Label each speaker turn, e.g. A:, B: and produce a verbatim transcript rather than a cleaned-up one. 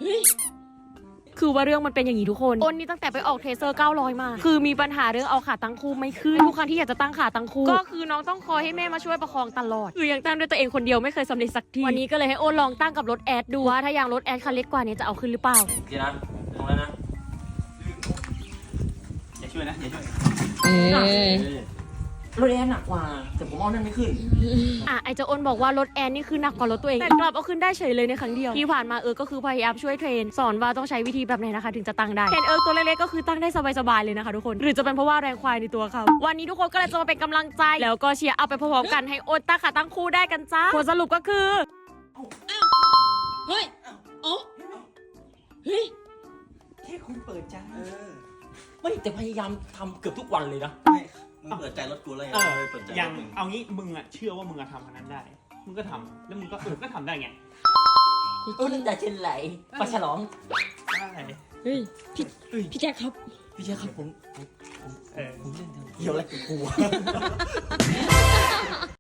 A: คือว่าเรื่องมันเป็นอย่างนี้ทุกคนอ้นนี่ตั้งแต่ไปออกเทเซอร์เก้าร้อยมาคือมีปัญหาเรื่องเอาขาตั้งคู่ไม่ขึ้นทุกครั้งที่อยากจะตั้งขาตั้งคู่ก็คือน้องต้องคอยให้แม่มาช่วยประคองตลอดคือยังตั้งด้วยตัวเองคนเดียวไม่เคยสำเร็จสักทีวันนี้ก็เลยให้อ้นลองตั้งกับรถแอดดูว่าถ้ายางรถแอดคันเล็กกว่านี้จะเอาขึ้นหรือเปล่า
B: ดีนะตรงแล้วนะ
C: อย่าช่วยนะอย่าช่วย
B: รถแอร์หนักกว่าแต่ผมเอานั่นไม่ขึ้น
A: อ่ะไอเจ้าอ้นบอกว่ารถแอนนี่คือหนักกว่ารถตัวเองแต่กลับเอาขึ้นได้เฉยเลยในครั้งเดียวที่ผ่านมาเออก็คือพยายามช่วยเทรนสอนว่าต้องใช้วิธีแบบไหนนะคะถึงจะตั้งได้เทรนเออตัวเล็กๆก็คือตั้งได้สบายๆเลยนะคะทุกคนหรือจะเป็นเพราะว่าแรงควายในตัวเขาวันนี้ทุกคนก็เลยจะมาเป็นกำลังใจแล้วก็เชียร์เอาไปพร้อมๆกันให้อ้นตั้งขาตั้งคู่ได้กันจ้าผลสรุปก็คือ
D: เฮ้ยอ๋อเฮ้ย
C: แค่คุณเปิดใจ
B: ไม่แต่พยายามทำเกือบทุกวันเลยนะ
E: ไม่มึงเปิดใจรถกูเลยเออเปิดใจ
C: ยังเอางี้มึงอะเชื่อว่ามึงอะทำอันนั้นได้มึงก็ทำแล้วมึงก็เออก็ทำได้ไง
B: โอ้น้ำตาเช่นไหลปลาฉลอง
C: ได้
D: เฮ้ยพี่พี่แจ็คครับ
B: พี่แจ๊คครับผมผมผมเล่นเกี่ยวอะไรกับกู